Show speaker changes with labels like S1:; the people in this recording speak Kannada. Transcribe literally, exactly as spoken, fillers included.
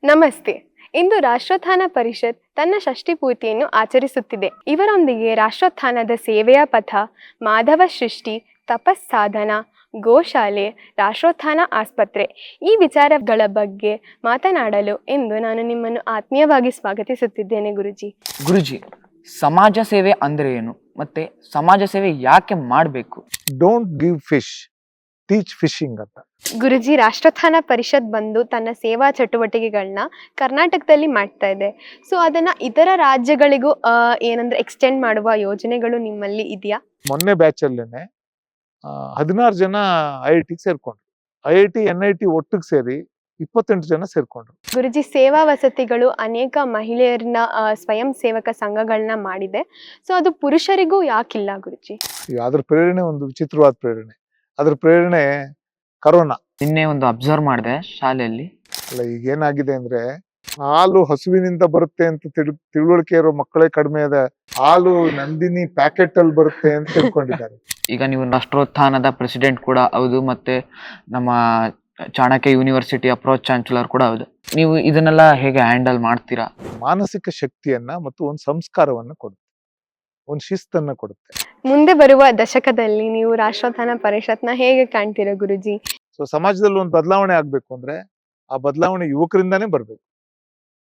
S1: ನಮಸ್ತೆ. ಇಂದು ರಾಷ್ಟ್ರೋತ್ಥಾನ ಪರಿಷತ್ ತನ್ನ ಷಷ್ಠಿ ಪೂರ್ತಿಯನ್ನು ಆಚರಿಸುತ್ತಿದೆ. ಇವರೊಂದಿಗೆ ರಾಷ್ಟ್ರೋತ್ಥಾನದ ಸೇವೆಯ ಪಥ, ಮಾಧವ ಸೃಷ್ಟಿ, ತಪಸ್ಸಾಧನ, ಗೋಶಾಲೆ, ರಾಷ್ಟ್ರೋತ್ಥಾನ ಆಸ್ಪತ್ರೆ ಈ ವಿಚಾರಗಳ ಬಗ್ಗೆ ಮಾತನಾಡಲು ಎಂದು ನಾನು ನಿಮ್ಮನ್ನು ಆತ್ಮೀಯವಾಗಿ ಸ್ವಾಗತಿಸುತ್ತಿದ್ದೇನೆ ಗುರುಜಿ.
S2: ಗುರುಜಿ, ಸಮಾಜ ಸೇವೆ ಅಂದ್ರೆ ಏನು ಮತ್ತೆ ಸಮಾಜ ಸೇವೆ ಯಾಕೆ ಮಾಡಬೇಕು?
S3: Don't give fish, teach fishing ಅಂತ.
S1: ಗುರುಜಿ, ರಾಷ್ಟ್ರೋತ್ಥಾನ ಪರಿಷತ್ ಬಂದು ತನ್ನ ಸೇವಾ ಚಟುವಟಿಕೆಗಳನ್ನ ಕರ್ನಾಟಕದಲ್ಲಿ ಮಾಡ್ತಾ ಇದೆ. ಸೊ ಅದನ್ನ ಇತರ ರಾಜ್ಯಗಳಿಗೂ ಏನಂದ್ರೆ ಎಕ್ಸ್ಟೆಂಡ್ ಮಾಡುವ ಯೋಜನೆಗಳು ನಿಮ್ಮಲ್ಲಿ ಇದೆಯಾ?
S3: ಮೊನ್ನೆ ಬ್ಯಾಚ್ ಅಲ್ಲೇನೆ ಹದಿನಾರು ಜನ ಐ ಐ ಟಿ ಸೇರ್ಕೊಂಡ್ರು. I I T N I T ಒಟ್ಟಿಗೆ ಸೇರಿ ಇಪ್ಪತ್ತೆಂಟು ಜನ ಸೇರ್ಕೊಂಡ್ರು.
S1: ಗುರುಜಿ, ಸೇವಾ ವಸತಿಗಳು ಅನೇಕ ಮಹಿಳೆಯರನ್ನ ಸ್ವಯಂ ಸೇವಕ ಸಂಘಗಳನ್ನ ಮಾಡಿದೆ. ಸೊ ಅದು ಪುರುಷರಿಗೂ ಯಾಕಿಲ್ಲ ಗುರುಜಿ?
S3: ಅದ್ರ ಪ್ರೇರಣೆ ಒಂದು ವಿಚಿತ್ರವಾದ ಪ್ರೇರಣೆ. ಅದ್ರ ಪ್ರೇರಣೆ ಕರೋನಾ.
S2: ನಿನ್ನೆ ಒಂದು ಅಬ್ಸರ್ವ್ ಮಾಡಿದೆ ಶಾಲೆಯಲ್ಲಿ.
S3: ಅಲ್ಲ, ಈಗ ಏನಾಗಿದೆ ಅಂದ್ರೆ ಹಾಲು ಹಸುವಿನಿಂದ ಬರುತ್ತೆ ಅಂತ ತಿಳ್ ತಿಳುವಳಿಕೆ ಇರೋ ಮಕ್ಕಳೇ ಕಡಿಮೆ ಇದೆ. ಹಾಲು ನಂದಿನಿ ಪ್ಯಾಕೆಟ್ ಅಲ್ಲಿ ಬರುತ್ತೆ ಅಂತ ತಿಳ್ಕೊಂಡಿದ್ದಾರೆ.
S2: ಈಗ ನೀವು ರಾಷ್ಟ್ರೋತ್ಥಾನದ ಪ್ರೆಸಿಡೆಂಟ್ ಕೂಡ ಹೌದು, ಮತ್ತೆ ನಮ್ಮ ಚಾಣಕ್ಯ ಯೂನಿವರ್ಸಿಟಿ ಅಪ್ರೋಚ್ ಚಾನ್ಸಲರ್ ಕೂಡ ಹೌದು. ನೀವು ಇದನ್ನೆಲ್ಲ ಹೇಗೆ ಹ್ಯಾಂಡಲ್ ಮಾಡ್ತೀರಾ?
S3: ಮಾನಸಿಕ ಶಕ್ತಿಯನ್ನ ಮತ್ತು ಒಂದು ಸಂಸ್ಕಾರವನ್ನ ಕೊಡುತ್ತೆ, ಒಂದು ಶಿಸ್ತನ್ನ ಕೊಡುತ್ತೆ.
S1: ಮುಂದೆ ಬರುವ ದಶಕದಲ್ಲಿ ನೀವು ರಾಷ್ಟ್ರೋತ್ಥಾನ ಪರಿಷತ್ನ ಹೇಗೆ ಕಾಣ್ತೀರಾ ಗುರುಜಿ?
S3: ಸೊ ಸಮಾಜದಲ್ಲಿ ಒಂದು ಬದಲಾವಣೆ ಆಗ್ಬೇಕು ಅಂದ್ರೆ ಆ ಬದಲಾವಣೆ ಯುವಕರಿಂದಾನೇ ಬರ್ಬೇಕು.